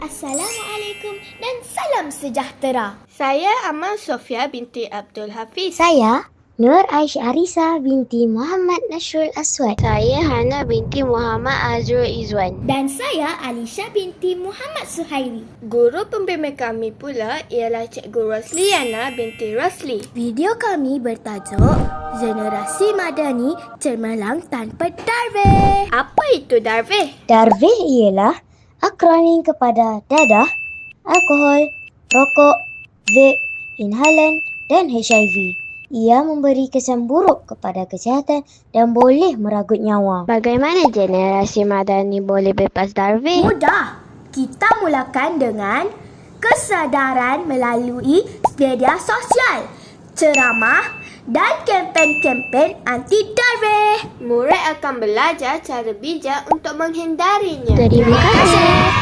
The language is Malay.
Assalamualaikum dan salam sejahtera. Saya Amal Sofia binti Abdul Hafiz. Saya Nur Aisyah Arisa binti Muhammad Nasrul Aswad. Saya Hana binti Muhammad Azrul Izwan. Dan saya Alisha binti Muhammad Suhairi. Guru pembimbing kami pula ialah Cikgu Rosliana binti Rosli. Video kami bertajuk Generasi Madani Cemerlang Tanpa Darveh. Apa itu Darveh? Darveh ialah akronim kepada dadah, alkohol, rokok, vape, inhalan dan HIV. Ia memberi kesan buruk kepada kesihatan dan boleh meragut nyawa. Bagaimana generasi madani boleh bebas Darveh? Mudah. Kita mulakan dengan kesedaran melalui media sosial, ceramah dan kempen-kempen anti Darveh. Murid akan belajar cara bijak untuk menghindarinya. Terima kasih.